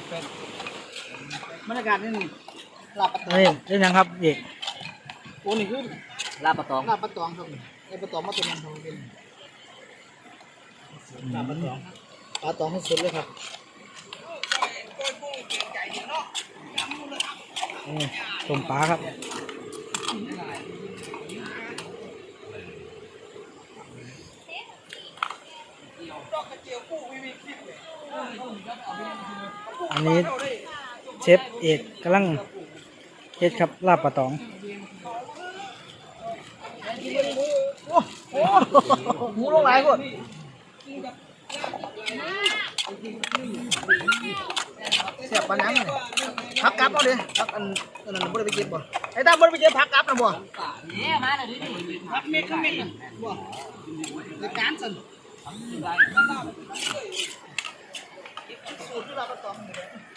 บรรยากาศนี่ลาบปะตองเฮ้ยเล่นยังครับเอกโอ้นี่คือลาบปะตองลาบปะตองครับไอ้ปะตองมาตัวนั้นของเป็นลาบปะตองปลาตองให้สุดเลยครับต้มปลาครับอันนี้เชฟเอกกำลังเฮ็ดครับลาบปลาตองหมูลงหลายคนเสียบปลาหนังเลยพักกลับเอาดิพักอันนั้นบ่ได้ไปเก็บบ่ไอ้ตาบ่ได้ไปเก็บพักกลับนะบ่พักเม็ดก็เม็ดบ่ในการสั่นสูตรที่เราประกอบ